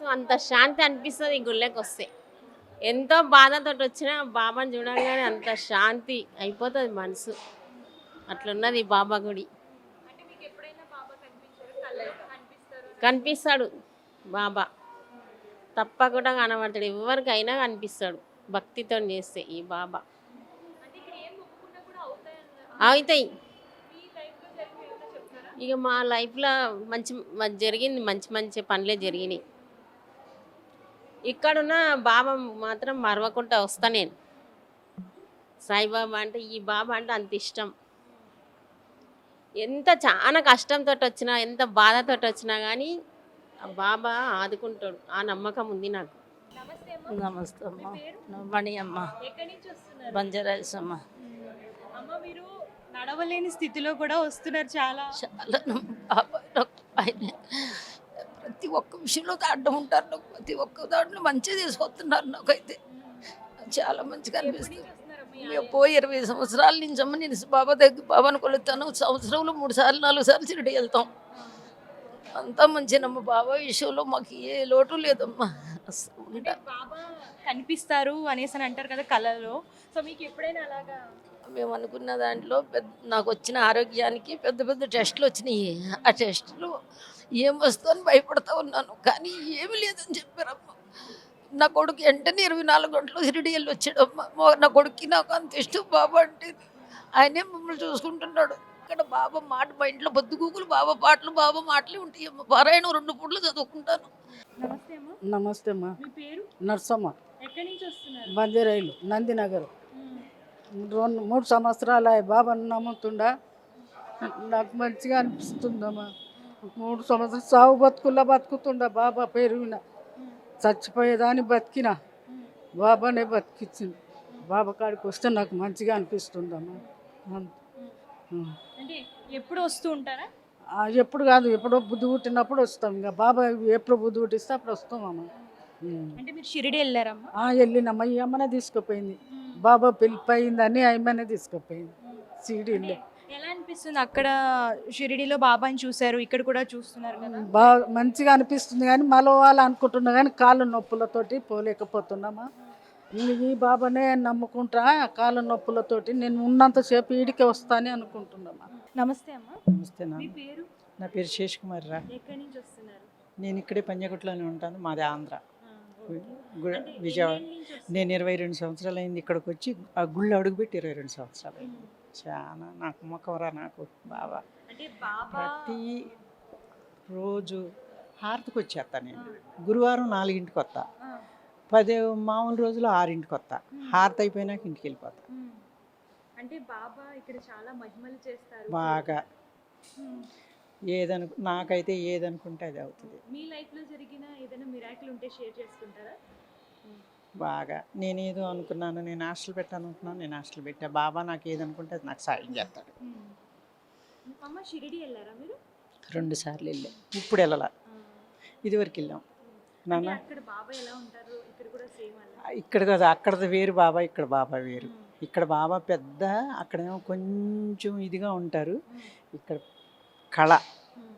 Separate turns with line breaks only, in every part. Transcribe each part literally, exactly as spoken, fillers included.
అంత శాంతి అనిపిస్తది ఈ గుళ్ళకొస్తే. ఎంతో బాధతోటి వచ్చినా బాబాని చూడంగానే అంత శాంతి అయిపోతది మనసు. అట్లున్నది ఈ బాబా గుడి.
అంటే మీకెప్పుడైనా బాబా కనిపించారా? కలలో కనిపిస్తారు అని
కనిపిస్తాడు బాబా. తప్పకుండా కనబడతాడు. ఎవరికైనా కనిపిస్తాడు భక్తితోని చేస్తే ఈ బాబా.
అంటే ఇక్కడ ఏం మొక్కుకున్నా కూడా అవుతాయన్నారు.
అవుతాయి.
మీ లైఫ్‌లో జరిగినవి ఏమైనా చెప్తారా?
ఇక మా లైఫ్‌లో మంచి మ జరిగింది మంచి మంచి పనులే జరిగినాయి. ఇక్కడున్న బాబా మాత్రం మరవకుండా వస్తా నేను. సాయిబాబా అంటే ఈ బాబా అంటే అంత ఇష్టం. ఎంత చాలా కష్టంతో వచ్చినా ఎంత బాధతో వచ్చినా కానీ ఆ బాబా ఆదుకుంటాడు. ఆ నమ్మకం ఉంది నాకు.
నమస్తే అమ్మ.
నమస్తే
మీ
అమ్మ.
పేరు?
మణి అమ్మ.
ఎక్కడి నుంచి వస్తున్నారు?
బంజారాస్ అమ్మ.
అమ్మ మీరు నడవలేని స్థితిలో కూడా వస్తున్నారు చాలా.
చాలా బాబాయ్ నాకు ఆయన ప్రతి ఒక్క విషయంలో అడ్డం ఉంటారు. నాకు ప్రతి ఒక్క దాంట్లో మంచిగా తీసుకొస్తున్నారు. నాకైతే చాలా మంచిగా అనిపిస్తుంది. మేము పోయి ఇరవై సంవత్సరాల నుంచి అమ్మ నేను బాబా దగ్గర బాబాను కొలుస్తాను. సంవత్సరంలో మూడు సార్లు నాలుగు సార్లు షిరిడి వెళ్తాం. అంతా మంచినమ్మ. బాబా విషయంలో మాకు ఏ లోటు లేదమ్మా. అసలు
అంటే బాబా కనిపిస్తారు అనేసి అని అంటారు కదా కళలో. సో మీకు ఎప్పుడైనా అలాగా
మేము అనుకున్న దాంట్లో పెద్ద నాకు వచ్చిన ఆరోగ్యానికి పెద్ద పెద్ద టెస్టులు వచ్చినాయి. ఆ టెస్టులు ఏం వస్తుందని భయపడతా ఉన్నాను. కానీ ఏమి లేదని చెప్పారమ్మ. నా కొడుకు వెంటనే ఇరవై నాలుగు గంటలు షిరిడి వెళ్ళి వచ్చాడమ్మ. మా- నా కొడుక్కి నాకు అంత ఇష్టం బాబా అంటే. ఆయనే మమ్మల్ని చూసుకుంటున్నాడు. ఇక్కడ బాబా మాట మా ఇంట్లో బొద్దుగూకులు బాబా పాటలు బాబా మాటలే ఉంటాయి అమ్మ. పారాయణం రెండు పూటలు చదువుకుంటాను.
నమస్తే అమ్మ.
నమస్తే అమ్మా.
మీ పేరు?
నర్సమ్మ.
ఎక్కడి నుంచి వస్తున్నారు?
బంజరైలు నందినగర్.
మ్మ్.
రెండు మూడు సంవత్సరాలు అయ్యి బాబాను నమ్ముతుండా. నాకు మంచిగా అనిపిస్తుందమ్మా. మూడు సంవత్సరాలు సాగు బతుకుల్లా బతుకుతుండా బాబా పేరు విన. చచ్చిపోయేదాన్ని బతికిన బాబానే బతికిచ్చింది. బాబా కాడికి వస్తే నాకు మంచిగా అనిపిస్తుందమ్మా. అంత. ఉం.
అంటే ఎప్పుడు వస్తూ ఉంటారా?
ఆ, ఎప్పుడు కాదు, ఎప్పుడో బుద్ధి పుట్టినప్పుడు వస్తాం. ఇంకా బాబా ఎప్పుడు బుద్ధి పుట్టిస్తే అప్పుడు వస్తామమ్మా. ఉం.
అంటే మీరు షిరిడి వెళ్ళారమ్మా?
ఆ, వెళ్ళినమ్మా. ఈ అమ్మనే తీసుకుపోయింది. బాబా పిలిపోయిందని ఆయమ్మనే తీసుకుపోయింది సీడీలో.
ఎలా అనిపిస్తుంది అక్కడ షిరిడిలో బాబాని చూశారు, ఇక్కడ కూడా చూస్తున్నారు కదా?
బాగా మంచిగా అనిపిస్తుంది కానీ మలవాలి అనుకుంటున్నా కానీ కాళ్ళ నొప్పులతోటి పోలేకపోతున్నామా. ఈ బాబానే నమ్ముకుంటా. కాళ్ళ నొప్పులతోటి నేను ఉన్నంతసేపు ఈడికే వస్తానే అనుకుంటున్నామా.
నమస్తే అమ్మా.
నమస్తే నా
మీ పేరు?
నా పేరు శేష్ కుమార్ రా.
ఎక్కడి నుంచి వస్తున్నారు?
నేను ఇక్కడే పంజగుట్టలోనే ఉంటాను. మాది ఆంధ్ర,
ఆ, ఓకే.
గు-
అంటే
విజయవాడ.
ఎన్నేళ్ళ నుంచి వస్తున్నారు?
నేను ఇరవై రెండు సంవత్సరాలు అయింది ఇక్కడికి వచ్చి. ఆ గుళ్ళు అడుగుపెట్టి ఇరవై రెండు సంవత్సరాలు అయింది.
మ్మ్.
చాలా నాకు మొక్కవరా నాకు బాబా.
అంటే బాబా
ప్రతి రోజు హారతికి వచ్చేస్తా నేను. గురువారం నాలుగింటికి వస్తా.
ఆ,
పదే మామూలు రోజులు ఆరింటికి వస్తా. హారతి అయిపోయినాక ఇంటికి వెళ్ళిపోతా.
మ్మ్. అంటే బాబా ఇక్కడ చాలా మహిమలు చేస్తారు.
బాగా
మ్మ్.
ఏదను నాకైతే ఏదనుకుంటే అది అవుతుంది.
మీ లైఫ్ లో జరిగిన ఏదైనా మిరాకిల్ ఉంటే షేర్ చేసుకుంటారా?
బాగా నేనేదో అనుకున్నాను, నేను హాస్టల్ పెట్టాను అనుకున్నాను, నేను హాస్టల్ పెట్టా. బాబా నాకు ఏదనుకుంటే అది నాకు సాయం చేస్తాడు.
మ్మ్. అమ్మ షిరిడి వెళ్ళారా మీరు?
రెండు సార్లు వెళ్ళాం. ఇప్పుడు వెళ్ళాల,
ఆ.
ఇదివరకు వెళ్ళాం
అంటే
నాన్న.
అక్కడ బాబా ఎలా ఉంటారు? ఇక్కడ కూడా సేమ్ అలా?
ఇక్కడ కదా, అక్కడది వేరు బాబా, ఇక్కడ బాబా వేరు. ఇక్కడ బాబా పెద్ద, అక్కడేమో కొంచెం ఇదిగా ఉంటారు. ఇక్కడ కళ.
మ్మ్.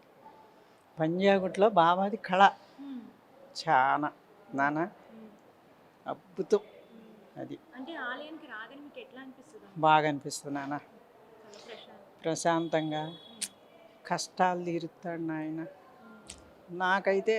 పంజాగుట్లో బాబాది కళ
మ్మ్.
చాలా నాన్న
మ్మ్.
అద్భుతం. అది
అంటే ఆలయానికి రాగానే మీకు ఎట్లా అనిపిస్తుంది?
బాగా అనిపిస్తుంది నాన్న.
చాలా ప్రశాంతం.
ప్రశాంతంగా కష్టాలు తీరుతాడు నాయన. నాకైతే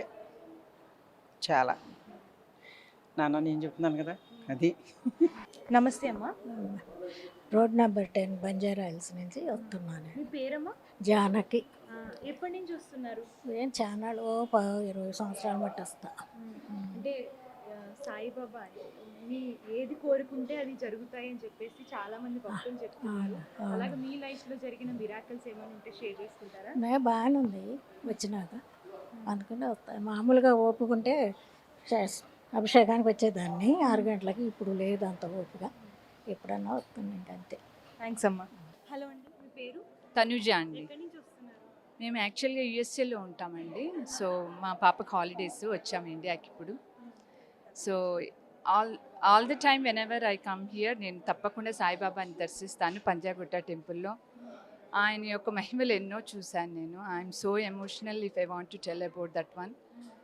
చాలా నాన్న, నేను చెప్తున్నాను కదా అది.
నమస్తే అమ్మా.
Road number ten Banjara Hills నుంచి వస్తున్నాను.
మీ పేరమ్మా?
జానకి.
ఆ, ఎప్పటి నుంచి వస్తున్నారు?
ఏం ఛానల్ ఓ ప ఇరవై సంవత్సరాలు బట్టి వస్తా.
అంటే ఆ, సాయిబాబా మీ ఏది కోరుకుంటే అది జరుగుతాయి అని చెప్పేసి చాలా మంది భక్తులు చెప్తున్నారు. అలాగే మీ లైఫ్ లో జరిగిన మిరాకిల్స్ ఏమైనా ఉంటే షేర్ చేసుకుంటారా?
నే బాగానే ఉంది వచ్చినాక అనుకుని వస్తా. మామూలుగా ఓపుకుంటే చేస్- అభిషేకానికి వచ్చేదాన్ని ఆరు గంటలకి. ఇప్పుడు లేదు అంత ఓపిక. ఎప్పుడన్నా వస్తుంది ఇంకంతే.
థ్యాంక్స్ అమ్మా. హలో అండి, మీ పేరు?
తనుజ అండి.
ఎక్కడి నుంచి వస్తున్నారు?
మేము యాక్చువల్గా యూఎస్ఏలో ఉంటామండి. సో మా పాపకు హాలిడేస్ వచ్చాము ఇండియాకి ఇప్పుడు. So all all the time whenever I come here నేను తప్పకుండా సాయిబాబాని దర్శిస్తాను పంజాగుట్ట టెంపుల్లో. ఆయన యొక్క మహిమలు ఎన్నో చూశాను నేను. I'm so emotional if I want to tell about that one.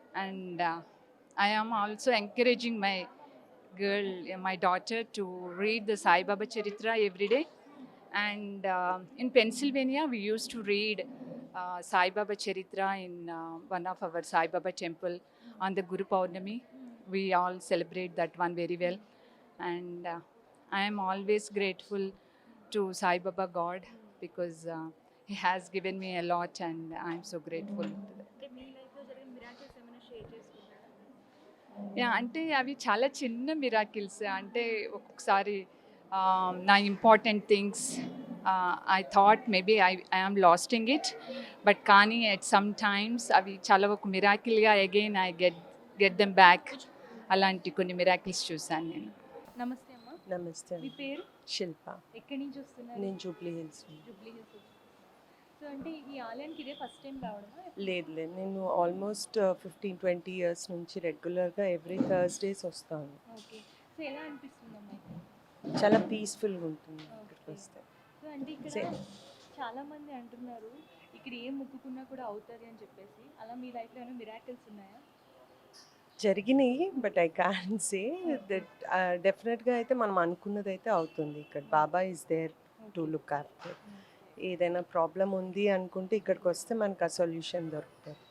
And uh, I am also encouraging my girl, uh, my daughter, to read the Sai Baba Charitra every day. And uh, in Pennsylvania, we used to read uh, Sai Baba Charitra in uh, one of our Sai Baba temple on the Guru Paurnami. We all celebrate that one very well. And uh, I am always grateful to Sai Baba God because uh, He has given me a lot, and I am so grateful to that.
అంటే మీ లైఫ్లో జరిగిన miracles ఏమైనా share చేసుకుంటారా?
Yeah అంటే అవి చాలా చిన్న miracles. అంటే ఒక్కొక్కసారి ఆ, నా important things I thought maybe I I'm lasting it, but కానీ ఎట్ సమ్ టైమ్స్ అవి చాలా ఒక మిరాకిల్గా again I get get them back. అలాంటి కొన్ని మిరాకిల్స్ చూశాను నేను.
నమస్తే అమ్మా,
నమస్తే
మీ పేరు?
శిల్ప.
ఎక్కడి నుంచి వస్తున్నారు?
నేను జూబ్లీ హిల్స్ నుంచి.
జూబ్లీ హిల్స్. సో అంటే ఈ ఆలయానికి ఇదే ఫస్ట్ టైం రావడమా?
లేదు లేదు నేను ఆల్మోస్ట్ ఫిఫ్టీన్ ట్వంటీ ఇయర్స్ నుంచి రెగ్యులర్గా ఎవ్రీ థర్స్డేస్ వస్తాను.
ఓకే. సో ఎలా అనిపిస్తుందమ్మా ఇక్కడ?
చాలా పీస్ఫుల్గా ఉంటుంది ఇక్కడికి వస్తే.
సో అంటే ఇక్కడ
సే-
చాలా మంది అంటున్నారు ఇక్కడ ఏం మొక్కుకున్నా కూడా అవుతుంది అని చెప్పేసి. అలా మీ లైఫ్లో ఏమైనా మిరాకిల్స్ ఉన్నాయా?
జరిగినాయి, but I can say that డెఫినెట్గా అయితే మనం అనుకున్నది అయితే అవుతుంది. ఇక్కడ Baba is there to look after. ఏదైనా ప్రాబ్లం ఉంది అనుకుంటే ఇక్కడికి వస్తే మనకు ఆ సొల్యూషన్ దొరుకుతుంది.